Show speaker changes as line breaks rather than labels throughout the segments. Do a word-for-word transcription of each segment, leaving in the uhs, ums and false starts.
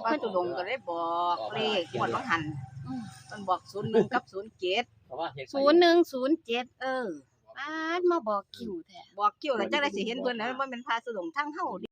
พระตุดงก็ได้บอกเลขงวดบางหันมันบอกศูนย์หนึ่งกับศูนย์เจ็ด
ศูนย์หนึ่งศูนย์เจ็ดเออป้าดมาบอกคิวแท้
บอกเกี่ยวแล้วจังได้สิเห็นเพิ่นนะว่ามันพาตุดงทั้งเฮาดิ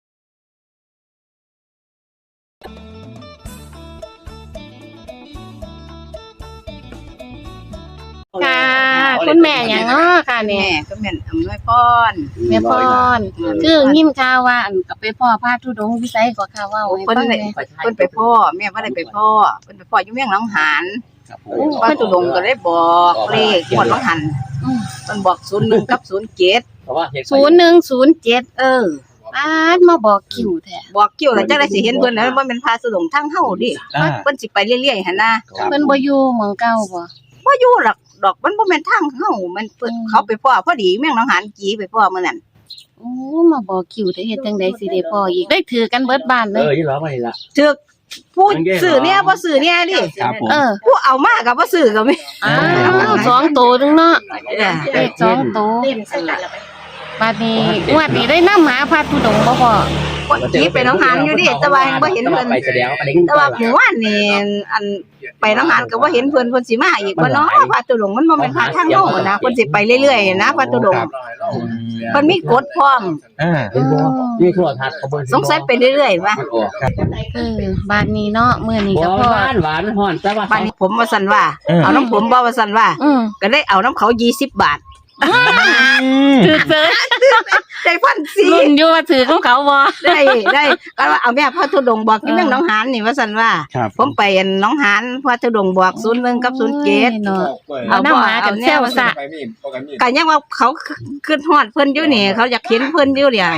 ค่ะคุณแม่หยังเนาะค่ะเนี่
แม่
ย
ก็แม่นอำนวยพร
แม่พรคือยินข่าวว่าอันก็ไปพ่อพระธุดงค์วิสัยก็ข่าวว่าให้
เพิ่น
ฟัง
ได้
แหน่
เพิ่นไปพ่อแม่บ่ได้ไปพ่อเพิ่นไปพ่ออยู่เมืองหนองหาน
ครับผ
พระตุดงก็ได้บอกเลขงวดบางหัน
อืม
มันบอกศูนย์หนึ่งกับศูนย์เจ็ด
เพราะว่า
ศูนย์หนึ่งศูนย์เจ็ดเออป้าดมาบอกคิวแท้
บอกเกี่ยวแล้วจังได้สิเห็นเพิ่นนะว่ามันพาตุดงทั้งเฮาดิ
อ่า
เพิ่นสิไปเรื่อยๆหั่นนะ
เพิ่นบ่อยู่เมืองเก่าบ่
บ่อยู่หรอกดอกมันบ่แม่นทางเฮามันเพิ่น
อืม
เขาไปพ่อพอดีเมืองหนองหานจีไปพ่อมื้อนั้น
โอ้มาบอกคิวแต่เฮ็ดจังได๋สิได้พ่ออีกได้ถือกันเบิดบ้านเล
เอย อยี่ร้อมาเลยละ
ถึกผู้ซื้อเนี่ยบ่ซื้อเนี่ยดิ
ครับผม
เออ
ผู้เอามาก็บ่ซื้อก็มี
อ้าวสองตัวนึงเนาะ
เออ
เลขสองตัวบัดนี้งวดนี้ได้นำหาพระธุดงค์บ่พ่อ
คนจีไปหนองหานอยู่ดิแต่ว่ายังบ่เห็นเพิ่น
ไปแสดงอันนี้
แต่ว่าหมู่บ้านนี่อันไปหนองหานก็บ่เห็นเพิ่นเพิ่นสิมาอีกบ่เนาะพระตุดงค์มันบ่แม่นพระทางโลกนะเพิ่นสิไปเรื่อยๆนะพระตุดงค์เพิ่นมีกฎพร้อม
อ่าเป็นบ่นี่ทั่วทัศน์เขาเบิ่ง
สงสัยไปเรื่อยๆว่า
มันออกครับ
เออบ้านนี้เนาะมื้อนี้
บ่
ก็พ่อ
หวานหวานฮ้อนแต่ว่า
บ้านนี้ผมว่าซั่นว่าเอาน้ำผมบ่ว่าซั่นว่า
อืม
ก็ได้เอาน้ำเขายี่สิบบาท
ถือเจอ
ได้พันสี่
รุ่นอยู่ว่าถือของเขาบ่
ได้ได้ก็ว่าเอาแม่พระธุดงค์บอกที่เมืองหนองหานนี่ว่าซั่นว่า
ครับ
ผมไปอันหนองหานพระธุดงค์บอกศูนย์หนึ่งกับศูนย์เจ็ด
เนาะ
เอา
เอาน้ำหมากันเซลซะ
ก็ยังว่าเขาขึ้นฮอดเพิ่นอยู่นี่เขาอยากเห็นเพิ่นอยู่เนี่ย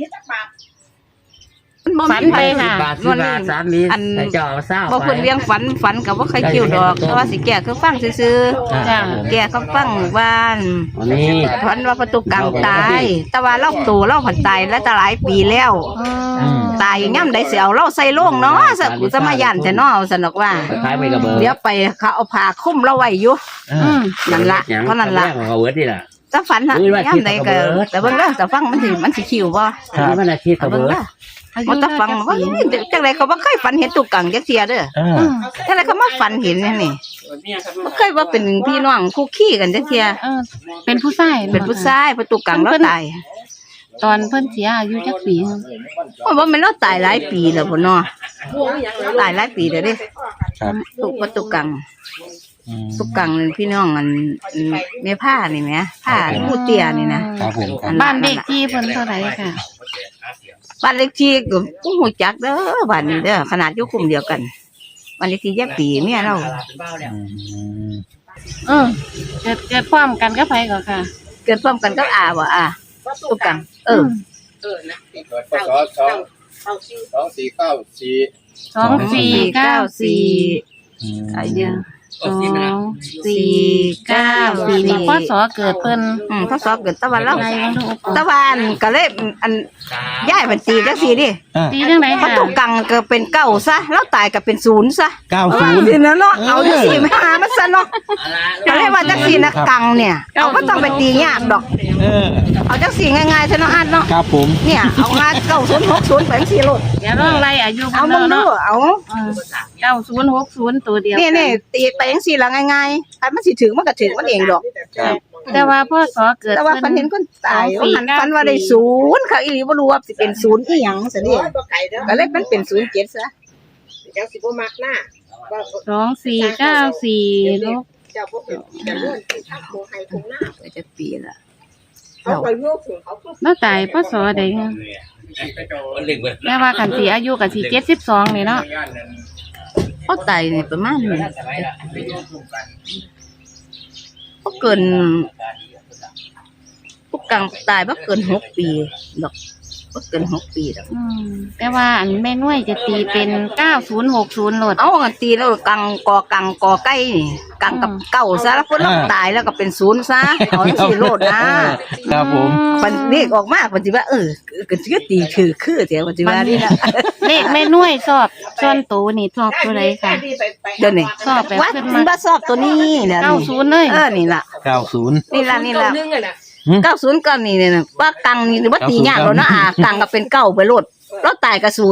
มันบ่
ฝัน
มี
ไป
ไผ
ค่ะ
บาทสิบบาทสามนี้
อัน
แต่เจ้าเอาเศร้า
บ่เพิ่นเลี้ยงฝันฝันก็บ่ใครเกี่ยวดอกแต่ว่าสิแก้คือฟังซื่อ
จ้ะ
ๆแก้เขาฟังบ้าน
อันนี้
ฝันว่าประตูกังตาย แต่ว่าเราโตเราผันตายแล้วจะหลายปีแล้ว
อืม
ตายย่ำใดสิเอาเราใส่โล่งเนาะสกุสมายันแต่เนาะสนอกว่า
คล้ายไปกับเบอร์
เดี๋ยวไปเขาเอาผ้าคลุมเราไว้อยู่
อืม
นั่นละเพราะนั่นละ
เอาเวิร์ดนี่ล่ะ
จะฝันฮะย่ำใดก็แต่เบิ่งเด้อแต่ฟังมันสิมันสิคิวบ่
อันนี้มันอาชีพกับ
เบิ่ง
เบิร์ด
เด้อมันจะฟังว่าจังไดเขาบ่เคยฝันเห็นตุกกังจักเที่ยเด้อ
อ่า
อืม
จังไดเขามาฝันเห็นนี่นี่บ่เคยว่าเป็นพี่น้องคู่ขี้กันจักเที่ย
เออเป็นผู้ชาย
เป็นผู้ชายประตูกังเราตาย
ตอนเพิ่นเสียอายุจักปีหนึ่ง
ว่าบ่แม่นเราตายหลายปีแล้วพุ่นเนาะตายหลายปีแล้วเด้
ครับ
ตุกประตูกัง
อืม
ตุกกังนี่พี่น้องอันอันแม่ผ้านี่แหมผ้าผู้เตี้ยนี่นะครับ
ผมครับ
บ้านเลขที่เพิ่นเท่าไหร่ค่ะ
บ้านเลขที่ก็ผู้ฮู้จักเด้อบ้านนี้เด้อขนาดอยู่กลุ่มเดียวกันบ้านเลขที่แยกปีเมียเรา
อืม
เออเกิดเกิดพร้อมกันกับไผก็ค่ะ
เกิดพร้อมกันกับอาบ่อาตุกกังเออ
เกิดพศสองสองสี่เก้าสี่
สองสี่เก้าสี่
อืม
อายุ
สองสี่เก้าสี่นี่พศเกิดเพิ่น
อืมพศเกิดตะวันเรา
อะไรบ้างลูก
ตะวันก็เลยอันย้ายบัญชีจังซี่ดิ
อ่า
ตีจังได๋
พระ
ค่ะ
ตุกกังก็เป็นเก้าซะแล้วตายก็เป็นศูนย์ซะ
เก้าศูนย์
สินะเนาะเอาจังซี่มาหามันซะเนาะก็เลยว่าจังซี่นะกังเนี่ยเอาบ่ต้องไปตียากดอก
เออ
เอาจังซี่ง่ายๆซะเนาะอันเนาะ
ครับผม
เนี่ยเอางาเก้าศูนย์หกศูนย์ไปจังซี่โลด
อย่าร้องไล่อายุ
เอา
เพิ่น
มึงดู
เนาะ
เอา
เก้าศูนย์หกศูนย์ตัวเดียว
นี่นี่ตีไปจังซี่ละง่ายๆถ้ามันสิถึงมันก็ถึงมันเองดอก
ครับ
แต่ว่าพศเกิด
แต่ว่าฝันเห็นคนตายว่าหันฝันว่าได้ศูนย์ค่ะอีหลีบ่รู้ว่าสิเป็นศูนย์อีหยังซะนี่ก็เลยมันเป็นศูนย์เจ็ดซะ
เจ้าสิบ่มักหน้าว่า
สองสี่เก้าสี่ลูก
เจ้าบ่เป็นจะเลื่อนที่ทักโมไฮคงหน้า
ก็จะปีละ
เขาไปโยกถึงเขาก็
แล้วตายพศใดคะแม่ว่าคันสิอายุก็สิเจ็ดสิบสองนี่เนาะ
พอตายนี่ประมาณนี้บ่เกินผู้กลางตายบ่เกินหกปีดอกบ่เกินหกปีดอก
อืมแต่ว่าอันแม่น้วยจะตีเป็นเก้าศูนย์หกศูนย์โหลด
เอากันตีแล้วกังกอกังกอไก่นี่กังกับเก้าซะแล้วคนเราตายแล้วก็เป็นศูนย์ซะเอาจังซี่โลดนะครับ
ผม
มันเรียกออกมาปัจจุบันเออก็สิตีคือคือเดี๋ยวปัจจุบันนี่นะ
เลขแม่น้วยชอบส่วนตัวนี่ชอบตัวใดค่ะ
เดี๋ยวนี้
ชอบแบบ
ว่า
ขึ้น
มั
มาน
บ่ชอบตัวนี้แหละ
เก้าศูนย์เลย
เออนี่ล่ะ
เก้าศูนย์
นี่ล่ะนี่ล่ะ
นึงอ่ะนะ
เก้าศูนย์ก็นี่เนี่ยนะว่ากังนี่ว่าตียากแล้วนะอ่ากังก็เป็นเก้าไปโลดแล้วตายกับศูนย์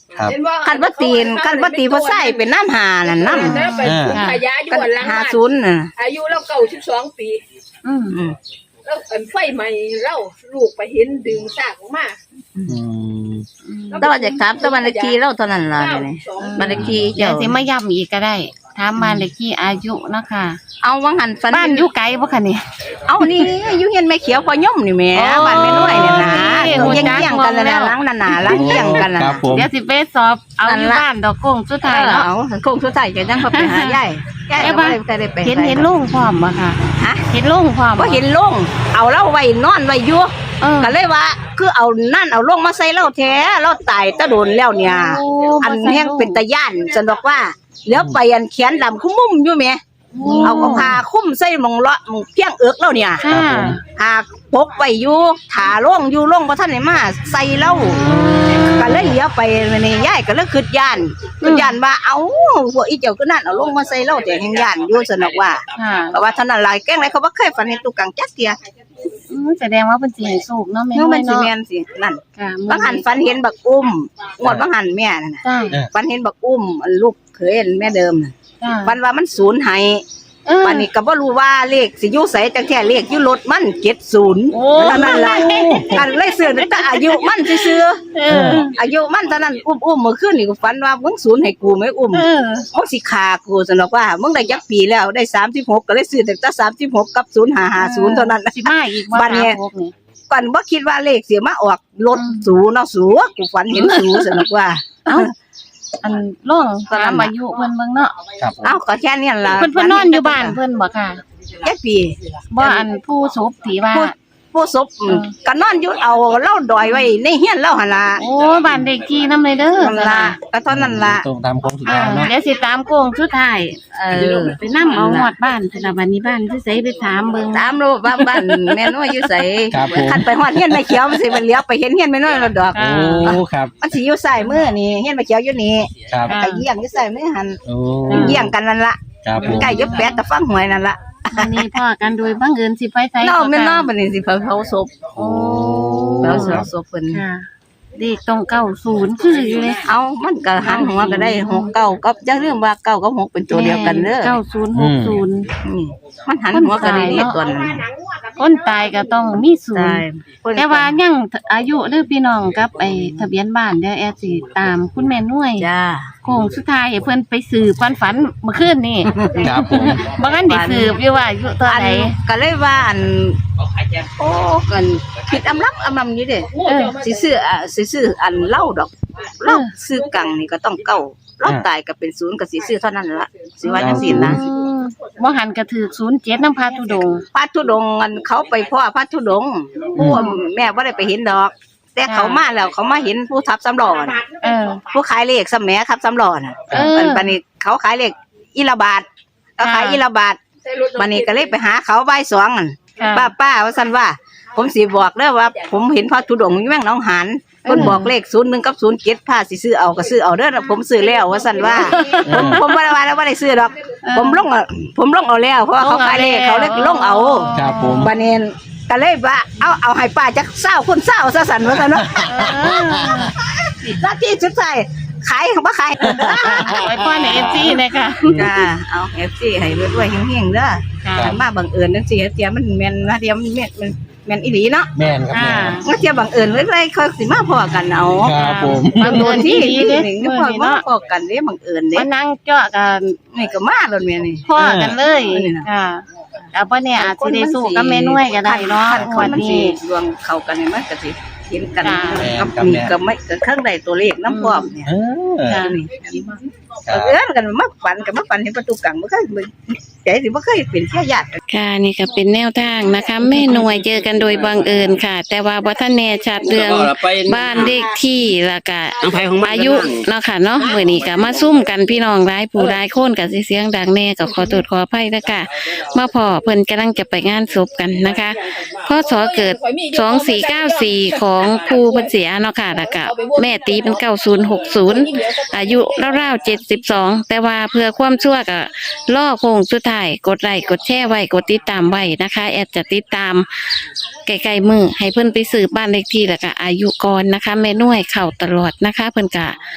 ครับ
คันบ่ตีนคันบ่ตีบ่ใส่เป็นน้ำหานั่นน้ำ
นะไปขุดขยะอยู่
กัน
อันหลัง
หา
บ้าน
ศูนย์น่ะ
อายุเราเก้าสิบสองปี
อืม
อืม
แล้วอันไฟใหม่เราลูกไปเห็นดึงซากออกมา
อืม
แต่ว่าอยากถามแต่บ้านเลขที่เราเท่านั้นล่ะนี่บ้านเลขที่
เดี๋ย
เจ้าว
สิมาย้ำอีกก็ได้ถามบ้านเลขที่อายุเนาะค่ะ
เอาวังหันฝัน
บ้านอยู่ไกลบ่คะนี่
เอานี่อยู่เฮียนแม่เขียวพอย่อมนี่แหม่
โอ้
บ้านแม่น้อยเนี่ยนะ
นี่
ตัว
หูจัก
เยี่ยงๆกันนั่น
แล้
น่ะ
ว
หล้างนั่นน่ะหล้างเยี่ยงกันน่ะ
ครับผม
เดี๋ยวสิไปสอบเอา
นั่น
อยู่
ล่ะ
บ้านดอกกุ้งสุด
เอ
ท้าย
อ
เนาะ
เอาโคงสุดท้ายก็จังเขาไปหายายยาย
เอ้ย
ก็
บ้า
บ่ได้ได้ไป
เห็นเห็นลุงพร้อมบ่ค่ะ
ฮะ
เห็นลุงพร้อม
บ่เห็นลงเอาเราไว้นอนไว้อยู่
เออ
ก็เลยว่าคือเอานั่นเอาลงมาใส่เราแท้เราตายตะโดนแล้วเนี่ย
โ
อันแห้งเป็นตะย่านฉันบอกว่าเหลือไปอันแขนดำคุ้มมุมอยู่แหมเอาเอาผ้าคลุ้มใส่หมองเลาะหมองเพียงเอิกแล้วเนี่ย
ค่ะ
หากปกไว้อยู่ถาล่งอยู่ล่งบ่ทันได้มาใส่เล่าก็เลยเหลียวไปนี่ยายก็เลยคิดย่านคิดย่านว่าเอ้าพวกอีเจ้าก็นั่นเอาลงมาใส่เล่าแต่แห่งย่านอยู่สนอกว่า
ค่ะ
ก็ว่าเท่านั้นหลายแกล้งไรเขาบ่เคยฝันเห็นตุกังจักเที่ย
อืมแสดงว่าเพิ่นสิให้สูบเนาะแม่
เนาะ
น้อ
มั
ย
นสิ
เนาะ
แม่นสินั่น
ค่ะ
บางหันฝันเห็นบักอุ้มงวดบางหันแม่นั่นน่ะ
จ้า
ฝันเห็นบักอุ้มอันลูกเขยอันแม่เดิมน่ะ
จ้า
ฝันว่ามันสูญหาย
เออ
วันนี้ก็บ่รู้ว่าเลขสิอยู่ไสจังแท้เลขอยู่รถมันเจ็ดสิบ
โอ้
เท่านั้นล่ะกันเลยซื้อแต่อายุมันซื่อ
เออ
ๆอายุมันเท่านั้นอุ้มๆเมื่อคืนนี่ก็ฝันว่ามึงสูญให้กูไหมอุ้ม
เออ
มึงสิฆ่ากูซั่นดอกว่ามึงได้จักปีแล้วได้สามสิบหกก็เลยซื้อแต่สามสิบหกกับศูนย์ห้าห้าศูนย์เท่านั้น
สิมาอีกบ่
บัดนี้
สามหกนี่
ก่อนบ่คิดว่าเลขสิมาออกรถสูเนาะสูกูฝันเห็นสูซั่นดอกว่า
เอ้าอันล่องตามอายุเพิ่นเบิ่งเนาะ
ครับผม
เอ้าก็แค่นี้ล่ะ
เพิ่นเพิ่นนอนอยู่บ้านเพิ่นบ่ค่ะ
แค่ปี
บ่อันผู้ศพที่ว่า
ผู้ผู้ศพอืมก็นอนอยู่เอาเล่าดอยไว้ในเฮียนเล่าหั่นล่ะ
โอ้บ้านเด็กที่นำเลยเด้อ
นั่นล่ะก็เท่านั้นล่ะ
ตรงตามโค้งสุด
อ่า
ท้ายเนาะ
เดี๋ยวสิตามโค้งสุดท้าย
เออ
ไปนำเอาฮอดบ้านสระบัดนี้บ้านคือไสไปถามเบิ่ง
ตามรู้ว่าบ้านแม่น้อยอยู่ไส
ครับผม
คันไปฮอดเฮียนแม่เขียวมันสิมันเลี้ยวไปเห็นเฮียนแม่น้อยแล้วดอก
โอ้ครับ
มันสิอยู่ซ้ายมือนี่เฮียนแม่เขียวอยู่นี่
ครับ
ก็เยี่ยงอยู่ซ้ายมือหั่น
โอ้
เยี่ยงกันนั่นล่ะ
ครับผม
ใกล้ยกแปดตะฟังหวยนั่นล่ะ
วันนี้พ่อกันโดยบังเอิญสิไปไส
เนาะ
ก็
แม่น
ค่ะ
เนาะบัดนี้สิเผาเผาศพ
โอ้
เผาศพศพเพิ่น
ค่ะเด็กตรงเก้าศูนย์คืออยู่เลย
เอามันก็หันหัวก็ได้หกเก้ากับอย่าลืมว่าเก้ากับหกเป็นตัวเดียวกันเด้อ
เก้าศูนย์หกศูนย์
นี่มันหันหัวก็ได้นี่ตัวนั้น
คนตายก็ต้องมีศูน
ใช่
ย์แต่ว่ายังอายุหรือพี่น้องกับไอ้ทะเบียนบ้านเดี๋ยวแอดสิตามคุณแม่นุ่ย
จ้า
โค้งสุดท้ายให้เพิ่นไปสืบความฝันเมื่อคืนนี่
ครับผม
บ่ทันได้สืบอยู่ว่าอายุเท่า
อัน
ไหร่
ก็เลยว่าอันโอ้กันคิดอำลับอำลำอยู่เด้
เออ
สิซื้ออ่ะสิซื้ออันเล่าดอกเล่าซื้อกังนี่ก็ต้องเก้าเล่าตายก็เป็นศูนย์ก็สิซื้อเท่านั้นล่ะสิว่าจังซี่นะ
อืมบ่หันก็ถือศูนย์เจ็ดน้ำพาทุดงค์
พระธุดงค์อันเขาไปพ่อพระธุดงค์ผู้แม่บ่ได้ไปเห็นดอก แต่เขามาแล้วเขามาเห็นผู้ทับสำรอน่ะ
เออ
ผู้ขายเลขสมัยครับสำรอน่ะ
เออ
ปันปันนี้เขาขายเลขอีละบาทเขาขาย
ค่ะ
อีละบาทบันนี้ก็เลยไปหาเขาบ่ายสองอั่น
ค่ะ
ป้าป้าว่าซั่นว่า ผมสิบอกเด้อว่า ผมเห็นพระธุดงค์อยู่แม่งหนองหานเพิ่นบอกเลขศูนย์หนึ่งกับศูนย์เจ็ดพาสิซื้อเอาก็ซื้อเอาเด้อผมซื้อแล้วว่าซั่นว่า ผมผมบ่ได้ว่าแล้วบ่ได้ซื้อดอก ผมลงเอาผมลงเอาแล้วเพราะว่าเขาขายเลขเขาเลยลงเอา
ครับผม
บัดนี้ก็เลยว่าเอาเอาให้ป้าจักเศร้าคนเศร้าซะสั่นว่าซั่นเนาะ
เออ
หน้าที่สุดท้ายขายของบ่ขาย
ไว้พ่อในเอฟซีนะคะ
จ้าเอา เอฟ ซี ให้รวยๆเฮงๆเด้อ
ค่ะ
คันมาบังเอิญจังซี่เตียมันแม่นนะเตียมันแม่นมันแม่นอีหลีเนาะ
แม่นครับ
อ่า
แม่น
ว่าเตียบังเอิญเรื่อยๆค่อยสิมาพอกันเอา
ครับผม
บังเอิญที่ดีเด้
นี่
มื้อ
พอ
นี้
มา
เนาะ
พอกันเด้บังเอิญเด้
มานั่งเจาะกัน
นี่ก็มาแล้วแม่นี่
พ่อกันเลย
เออนี่น่ะ
ค่ะแล้วบ่เนี่ยอาจสิได้สู้กับแม่น้อยก็ได้เนาะ
คัค
วัน
มันสิ
นี้
รวมเข้ากันนี่มันก็สิเห็นกัน
จ้า
กับนี่ก็ไม่ก็เครื่องใดตัวเลขน้ำพร้อมเนี่ย
เออ
ค่ะ
นี่เออเอิ้นกันมาฝันกันมาฝันเห็นประตูกังบ่เคยใจสิบ่เคยเป็นแค่ญาติ
ค่ะนี่ก็เป็นแนวทางนะคะแม่หน่วยเจอกันโดยบังเอิญค่ะ แต่ว่าบ่ทันแน่ชัดเรื่องบ้านเลขที่แล้วก็อายุเนาะค่ะเนาะมื้อนี้ก็มาซุ่มกันพี่น้องหลายผู้หลายคนก็สิเสียงดังแน่ก็ขอโทษขออภัยนะคะมาพอเพิ่นกำลังจะไปงานศพกันนะคะพศเกิดสองสี่เก้าสี่ของครูเพิ่นเสียเนาะค่ะแล้วก็แม่ตีเป็นเก้าศูนย์หกศูนย์อายุราวๆเจ็ดสิบสองแต่ว่าเพื่อความชั่วก็ล่อโค้งสุดท้ายกดไลค์กดแชร์ไว้กดติดตามไว้นะคะแอดจะติดตามไกลๆมือให้เพิ่นไปสืบบ้านเลขที่แล้วก็อายุก่อนนะคะแม่น้วยเข้าตลอดนะคะ เพิ่นกะ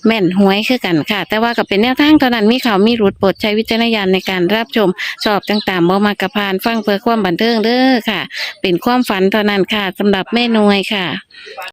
แม่นหวยคือกันค่ะ แต่ว่าก็เป็นแนวทางเท่านั้นมีเขามีรุดโปรดใช้วิจารณญาณในการรับชมชอบต่างๆบ่มากระพานฟังเพื่อความบันเทิงเด้อค่ะ เป็นความฝันเท่านั้นค่ะสำหรับแม่หน่วยค่ะ